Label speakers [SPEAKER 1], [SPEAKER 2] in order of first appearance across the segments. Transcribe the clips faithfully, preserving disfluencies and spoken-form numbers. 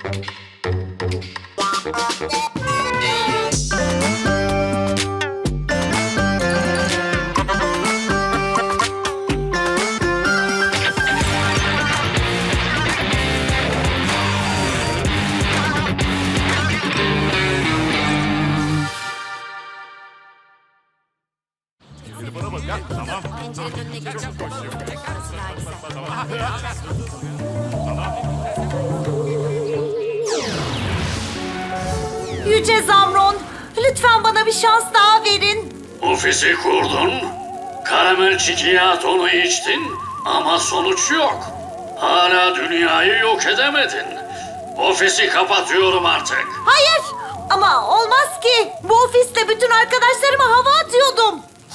[SPEAKER 1] Yüce Zamron, lütfen bana bir şans daha verin.
[SPEAKER 2] Ofisi kurdun, karamel çikolataonu içtin ama sonuç yok. Hala dünyayı yok edemedin. Ofisi kapatıyorum artık.
[SPEAKER 1] Hayır, ama olmaz ki. Bu ofiste bütün arkadaşlarıma hava atıyordum.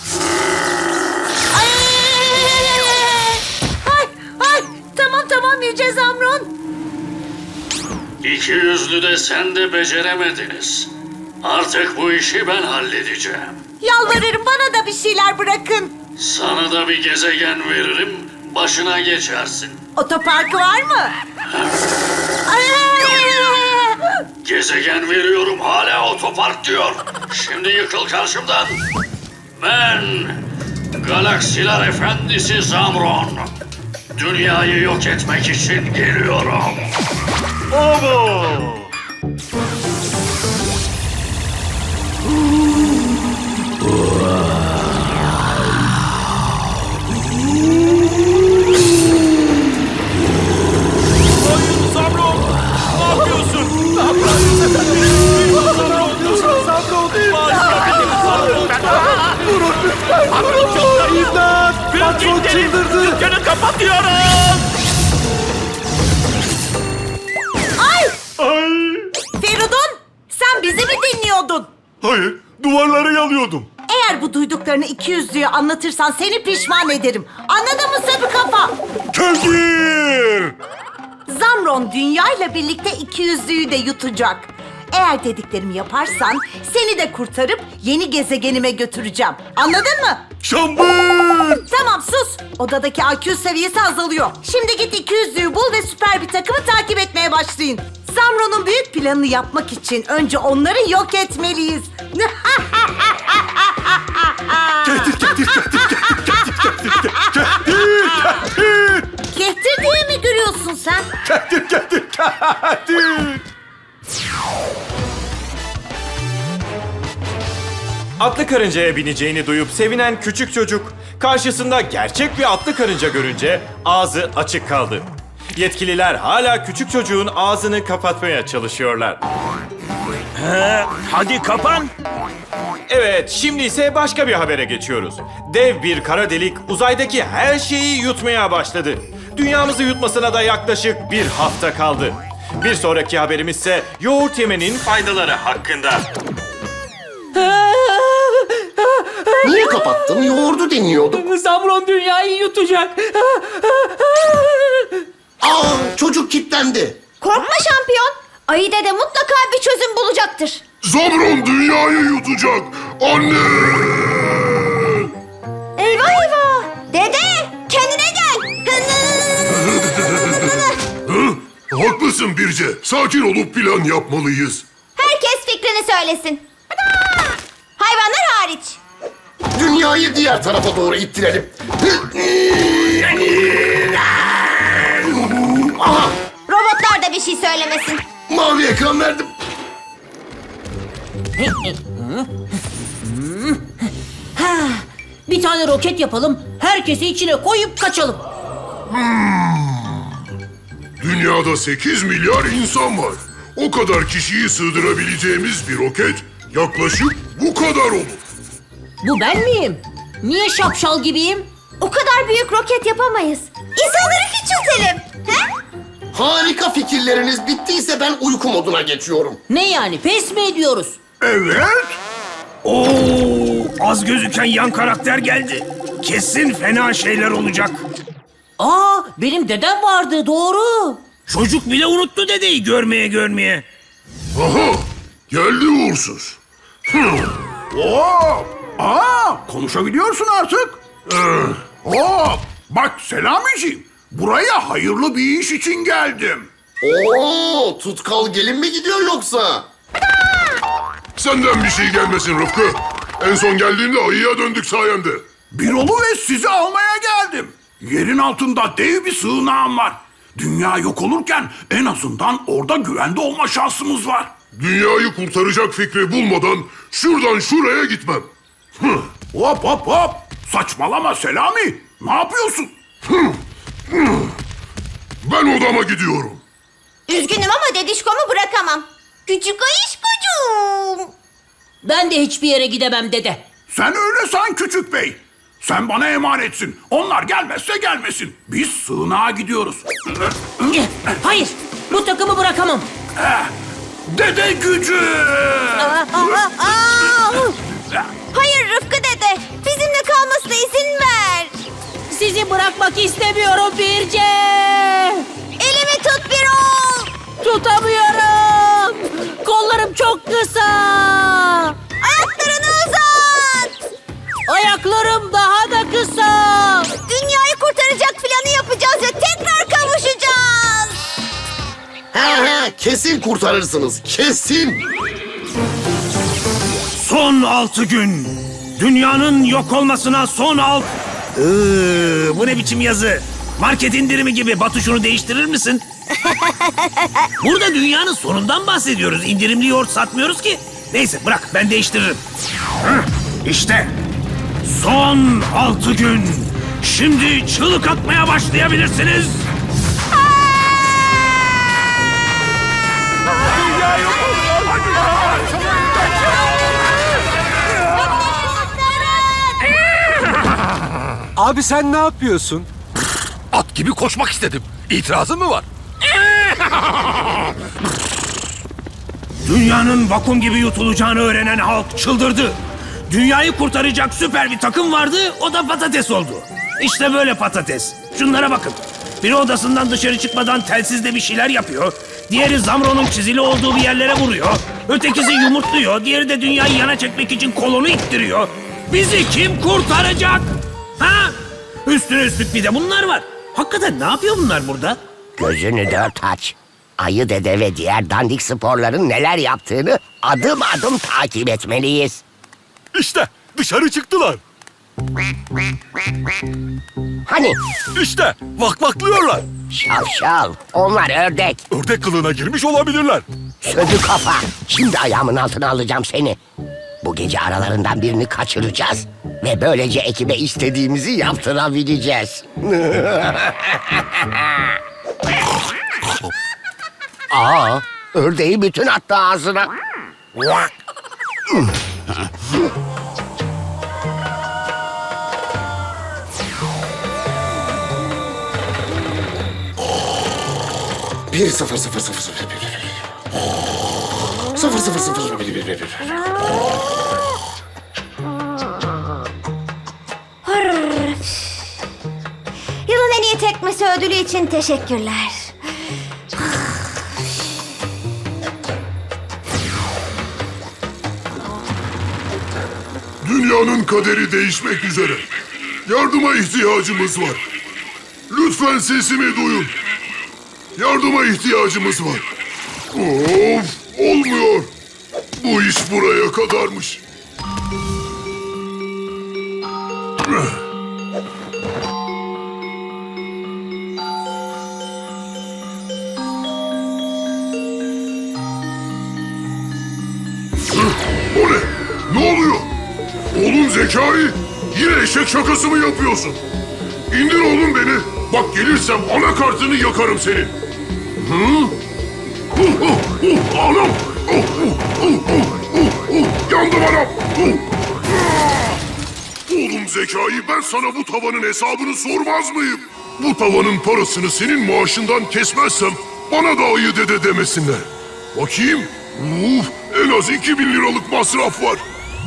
[SPEAKER 1] Ay, ay, ay. Tamam tamam Yüce Zamron.
[SPEAKER 2] İki yüzlü de sen de beceremediniz. Artık bu işi ben halledeceğim.
[SPEAKER 1] Yalvarırım bana da bir şeyler bırakın.
[SPEAKER 2] Sana da bir gezegen veririm, başına geçersin.
[SPEAKER 1] Otoparkı var mı? Ay,
[SPEAKER 2] Gezegen veriyorum, hala otopark diyor. Şimdi yıkıl karşımdan. Ben, Galaksiler Efendisi Zamron. Dünyayı yok etmek için geliyorum.
[SPEAKER 3] Bravo! Hayır Zamron! Ne yapıyorsun? Ne yapıyorsun? Zamron! Zamron! Durun lütfen! Patron çok İmdat! Patron çıldırdı! Dükkanı kapatıyorum!
[SPEAKER 1] ay!
[SPEAKER 3] Ay!
[SPEAKER 1] Feridun, sen bizi mi dinliyordun?
[SPEAKER 3] Hayır, duvarları yalıyordum.
[SPEAKER 1] Eğer bu duyduklarını iki yüzlüye anlatırsan seni pişman ederim. Anladın mı sarı kafa?
[SPEAKER 3] Kevgir!
[SPEAKER 1] Zamron dünyayla birlikte iki yüzlüyü de yutacak. Eğer dediklerimi yaparsan seni de kurtarıp yeni gezegenime götüreceğim. Anladın mı?
[SPEAKER 3] Şambır!
[SPEAKER 1] Tamam sus. Odadaki I Q seviyesi azalıyor. Şimdi git iki yüzlüyü bul ve süper bir takımı takip etmeye başlayın. Zamron'un büyük planını yapmak için önce onları yok etmeliyiz.
[SPEAKER 3] Getir, getir, getir, getir, getir, getir, getir,
[SPEAKER 1] Kehtir diye mi gülüyorsun sen?
[SPEAKER 3] getir, getir, getir. Atlı karıncaya bineceğini duyup sevinen küçük çocuk karşısında gerçek bir atlı karınca görünce ağzı açık kaldı. Yetkililer hala küçük çocuğun ağzını kapatmaya çalışıyorlar.
[SPEAKER 4] Hadi kapan.
[SPEAKER 3] Evet, şimdi ise başka bir habere geçiyoruz. Dev bir kara delik uzaydaki her şeyi yutmaya başladı. Dünyamızı yutmasına da yaklaşık bir hafta kaldı. Bir sonraki haberimiz ise yoğurt yemenin faydaları hakkında.
[SPEAKER 5] Niye kapattın? Yoğurdu dinliyordum.
[SPEAKER 6] Zamron dünyayı yutacak.
[SPEAKER 5] Aa, çocuk kilitlendi.
[SPEAKER 7] Korkma şampiyon. Ayı dede mutlaka bir çözüm bulacaktır.
[SPEAKER 8] Zamron dünyayı yutacak. Anne!
[SPEAKER 7] Eyvah eyvah. Dede kendine gel.
[SPEAKER 8] Hı? Haklısın Birce. Sakin olup plan yapmalıyız.
[SPEAKER 7] Herkes fikrini söylesin. Hayvanlar hariç.
[SPEAKER 5] Dünyayı diğer tarafa doğru ittirelim. Aha,
[SPEAKER 7] Robotlar da bir şey söylemesin.
[SPEAKER 5] mavi ekran verdim.
[SPEAKER 6] Bir tane roket yapalım, herkesi içine koyup kaçalım.
[SPEAKER 8] Dünyada sekiz milyar insan var. O kadar kişiyi sığdırabileceğimiz bir roket yaklaşık bu kadar olur.
[SPEAKER 6] Bu ben miyim? Niye şapşal gibiyim?
[SPEAKER 7] O kadar büyük roket yapamayız. İnsanları küçültelim. He?
[SPEAKER 5] Harika fikirleriniz bittiyse ben uyku moduna geçiyorum.
[SPEAKER 6] Ne yani, pes mi ediyoruz?
[SPEAKER 4] Evet. Oo, az gözüken yan karakter geldi. Kesin fena şeyler olacak.
[SPEAKER 6] Aa, benim dedem vardı, doğru.
[SPEAKER 4] Çocuk bile unuttu dedeyi görmeye görmeye.
[SPEAKER 8] Aha! Geldi uğursuz.
[SPEAKER 9] Oo! Aa, konuşabiliyorsun artık. Oo! Bak Selamiciğim, buraya hayırlı bir iş için geldim.
[SPEAKER 5] Oo, tutkal gelin mi gidiyor yoksa?
[SPEAKER 8] Senden bir şey gelmesin Rıfkı. En son geldiğimde ayıya döndük sayende.
[SPEAKER 9] Birol'u ve sizi almaya geldim. Yerin altında dev bir sığınağım var. Dünya yok olurken en azından orada güvende olma şansımız var.
[SPEAKER 8] Dünyayı kurtaracak fikri bulmadan şuradan şuraya gitmem. Hıh.
[SPEAKER 9] Hop hop hop. Saçmalama Selami. Ne yapıyorsun?
[SPEAKER 8] Ben odama gidiyorum.
[SPEAKER 7] Üzgünüm ama dedişkomu bırakamam. Küçük ayışkocuğum.
[SPEAKER 6] Ben de hiçbir yere gidemem dede.
[SPEAKER 9] Sen öyle san küçük bey. Sen bana emanetsin. Onlar gelmezse gelmesin. Biz sığınağa gidiyoruz.
[SPEAKER 6] Hayır, bu takımı bırakamam.
[SPEAKER 9] Dede gücü!
[SPEAKER 7] Hayır Rıfkı dede. Bizimle kalmasına izin ver.
[SPEAKER 6] Sizi bırakmak istemiyorum Birce.
[SPEAKER 7] Elimi tut Birol.
[SPEAKER 6] Tutamıyorum. Kollarım çok kısa.
[SPEAKER 7] Ayaklarını uzat.
[SPEAKER 6] Ayaklarım daha da kısa.
[SPEAKER 7] Dünyayı kurtaracak planı yapacağız ve tekrar kavuşacağız.
[SPEAKER 5] He he, kesin kurtarırsınız, kesin.
[SPEAKER 4] Son altı gün. Dünyanın yok olmasına son alt... Iıı, bu ne biçim yazı? Market indirimi gibi. Batu şunu değiştirir misin? Burada dünyanın sonundan bahsediyoruz. İndirimli yoğurt satmıyoruz ki. Neyse bırak ben değiştiririm. Hıh, İşte son altı gün. Şimdi çığlık atmaya başlayabilirsiniz.
[SPEAKER 10] Abi sen ne yapıyorsun?
[SPEAKER 11] At gibi koşmak istedim. İtirazın mı var?
[SPEAKER 4] Dünyanın vakum gibi yutulacağını öğrenen halk çıldırdı. Dünyayı kurtaracak süper bir takım vardı, o da patates oldu. İşte böyle patates. Şunlara bakın. Biri odasından dışarı çıkmadan telsizle bir şeyler yapıyor. Diğeri Zamro'nun çizili olduğu bir yerlere vuruyor. Ötekisi yumurtluyor. Diğeri de dünyayı yana çekmek için kolonu ittiriyor. Bizi kim kurtaracak? Ha? Üstüne üstlük bir de bunlar var. Hakikaten ne yapıyor bunlar burada?
[SPEAKER 12] Gözünü dört aç. Ayı dede ve diğer dandik sporların neler yaptığını adım adım takip etmeliyiz.
[SPEAKER 11] İşte dışarı çıktılar.
[SPEAKER 12] Hani?
[SPEAKER 11] İşte vakvaklıyorlar.
[SPEAKER 12] Şavşal, onlar ördek.
[SPEAKER 11] Ördek kılığına girmiş olabilirler.
[SPEAKER 12] Sözü kafa. Şimdi ayağımın altına alacağım seni. Bu gece aralarından birini kaçıracağız. Ve böylece ekibe istediğimizi yaptırabileceğiz. Aa, ördeği bütün attı ağzına.
[SPEAKER 5] Bir sıfır sıfır sıfır sıfır bir bir. Sıfır sıfır sıfır bir bir bir bir.
[SPEAKER 7] Yılın en iyi tekmesi ödülü için teşekkürler.
[SPEAKER 8] Dünyanın kaderi değişmek üzere. Yardıma ihtiyacımız var. Lütfen sesimi duyun. Yardıma ihtiyacımız var. Of, olmuyor. Bu iş buraya kadarmış. O ne? Ne oluyor? Oğlum Zekai, yine eşek şakası mı yapıyorsun? İndir oğlum beni. Bak gelirsem anakartını yakarım senin. Hı? Uh, uh, uh, anam! Uh, uh, uh, uh, uh, uh, yandım anam! Uh. Ah! Oğlum Zekai, ben sana bu tavanın hesabını sormaz mıyım? Bu tavanın parasını senin maaşından kesmezsem bana da ayı dede demesinler. Bakayım. Uf, en az iki bin liralık masraf var.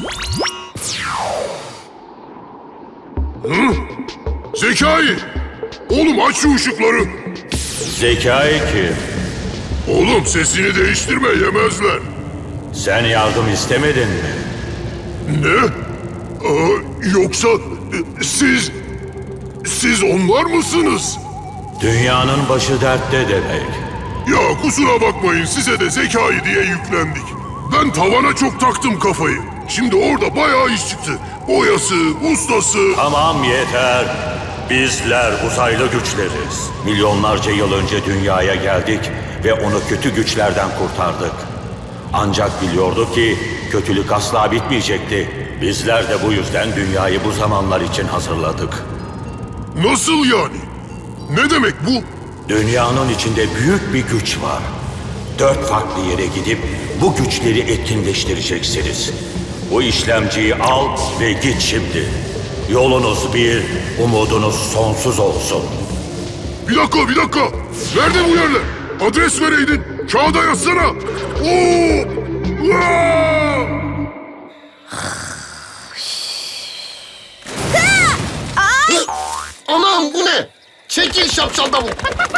[SPEAKER 8] Hı? Zekai! Oğlum aç şu ışıkları.
[SPEAKER 3] Zekai kim?
[SPEAKER 8] Oğlum sesini değiştirme, yemezler.
[SPEAKER 3] Sen yardım istemedin mi?
[SPEAKER 8] Ne? Aa, yoksa e, siz... Siz onlar mısınız?
[SPEAKER 3] Dünyanın başı dertte demek.
[SPEAKER 8] Ya kusura bakmayın size de zekayı diye yüklendik. Ben tavana çok taktım kafayı. Şimdi orada bayağı iş çıktı. Boyası, ustası...
[SPEAKER 2] Tamam yeter. Bizler uzaylı güçleriz. Milyonlarca yıl önce dünyaya geldik ve onu kötü güçlerden kurtardık. Ancak biliyorduk ki kötülük asla bitmeyecekti. Bizler de bu yüzden dünyayı bu zamanlar için hazırladık.
[SPEAKER 8] Nasıl yani? Ne demek bu?
[SPEAKER 2] Dünyanın içinde büyük bir güç var. Dört farklı yere gidip bu güçleri etkinleştireceksiniz. Bu işlemciyi al ve git şimdi. Yolunuz bir, umudunuz sonsuz olsun.
[SPEAKER 8] Bir dakika, bir dakika. Nerede bu yerler? Adres vereydin. Kağıda yazsana. Oo! Aa!
[SPEAKER 5] Anam bu ne? Çekil şapşal davul.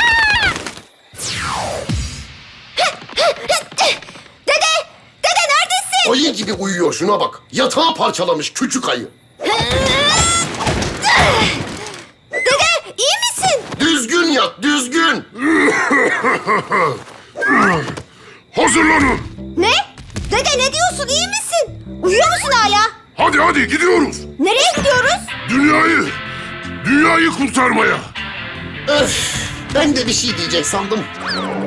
[SPEAKER 7] Dede! Dede neredesin?
[SPEAKER 5] Ayı gibi uyuyor şuna bak. Yatağı parçalamış küçük ayı.
[SPEAKER 7] Dede iyi misin?
[SPEAKER 5] Düzgün yat düzgün.
[SPEAKER 8] Hazırlanın.
[SPEAKER 7] Ne? Dede ne diyorsun iyi misin? Uyuyor musun hala?
[SPEAKER 8] Hadi hadi gidiyoruz.
[SPEAKER 7] Nereye gidiyoruz?
[SPEAKER 8] Dünyayı, dünyayı kurtarmaya.
[SPEAKER 5] Öf, ben de bir şey diyecek sandım.